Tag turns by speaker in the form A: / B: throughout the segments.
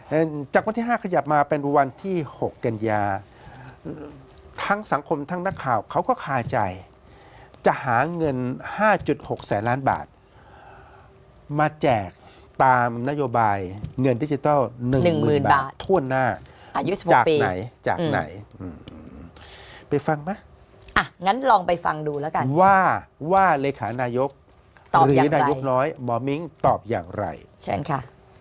A: จากวันที่ 5 ขยับมาเป็นวันที่ 6 กันยาทั้งสังคมทั้งนักข่าวเขาก็คาใจจะหาเงิน 5.6 แสนล้านบาท มาแจกตามนโยบายเงินดิจิทัล 10,000 บาททั่วหน้า
B: อายุ
A: จาก
B: 16 ปี
A: ไหนจากไหนไปฟังไหม
B: อ่ะงั้นลองไปฟังดูแล้วกัน
A: ว่าเลขานายก
B: ตอบ
A: หรื
B: อย่างไร
A: นายกน้อยหมอมิ้งตอบอย่างไร
B: เชิญค่ะ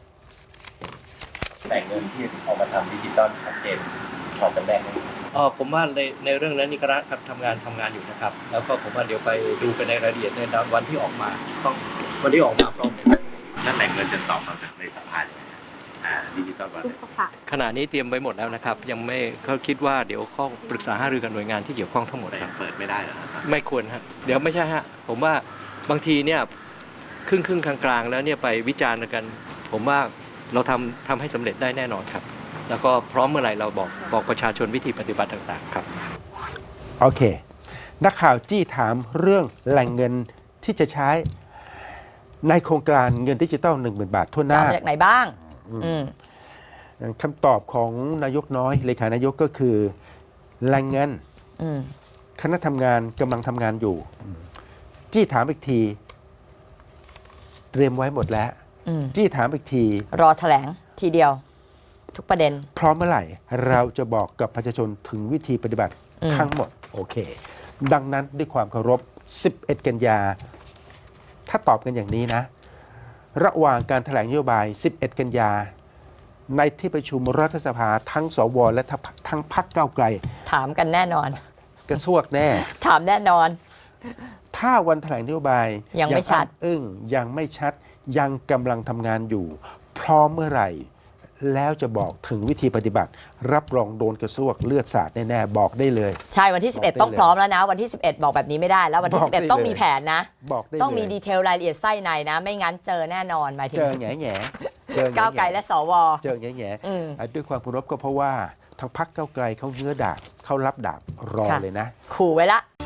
C: แต่เงินที่เอามาทำดิจิตอลชัดเจนพอกันแน่ไหมผมว่าในเรื่องนั้นนี่คณะทำงานอยู่นะครับแล้วก็ผมว่าเดี๋ยวไปดูกันในรายละเอียดในวันที่ออกมาต้องวันที่ออกมาพร้อมกันนั่นแหล่งเงินจะตอบมาจากในสภาดิจิตอลวันขณะนี้เตรียมไว้หมดแล้วนะครับยังไม่เขาคิดว่าเดี๋ยวข้อปรึกษาหารือกับหน่วยงานที่เกี่ยวข้องทั้งหมดครับเปิดไม่ได้หรอครับไม่ควรฮะเดี๋ยวไม่ใช่ฮะผมว่าบางทีเนี่ยครึ่งกลางๆแล้วเนี่ยไปวิจารณ์กันผมว่าเราทำให้สำเร็จได้แน่นอนครับแล้วก็พร้อมเมื่อไหร่เราบอกประชาชนวิธีปฏิบัติต่างๆครับ
A: โอเคนักข่าวจี้ถามเรื่องแหล่งเงินที่จะใช้ในโครงการเงินดิจิตอล 10,000 บาททั่วหน้า
B: จากไหนบ้าง
A: คำตอบของนายกน้อยเลขานายกก็คือแหล่งเงินคณะทำงานกำลังทำงานอยู่จี้ถามอีกทีเตรียมไว้หมดแล้วจี้ถามอีกที
B: รอแถลงทีเดียวทุกประเด็น
A: พร้อมเมื่อไหร่เราจะบอกกับประชาชนถึงวิธีปฏิบัติทั้งหมดโอเคดังนั้นด้วยความเคารพ11 กันยาถ้าตอบกันอย่างนี้นะระหว่างการแถลงนโยบาย11 กันยาในที่ประชุมรัฐสภาทั้งสวและทั้งพรรคก้าวไกล
B: ถามกันแน่นอน
A: กระซวกแน่
B: ถามแน่นอน
A: ถ้าวันแถลงนโยบาย
B: ยังไม่ชัด
A: ยังไม่ชัดยังกำลังทำงานอยู่พร้อมเมื่อไหร่แล้วจะบอกถึงวิธีปฏิบัติรับรองโดนกระซวกเลือดสาดแน่ๆบอกได้เลย
B: ใช่วันที่11ต้องพร้อมแล้วนะวันที่11บอกแบบนี้ไม่ได้แล้ววันที่11ต้องมีแผนนะต้องมีดีเทลรายละเอียดไส้ในนะไม่งั้นเจอแน่นอนหมายถึง
A: เจอแง่
B: ก้าวไกลและสว
A: เจอแง่ด้วยความเคารพก็เพราะว่าทางพรรคก้าวไกลเขาเงื้อดาบเขารับดาบรอเลยนะ
B: ขู่ไว้ละ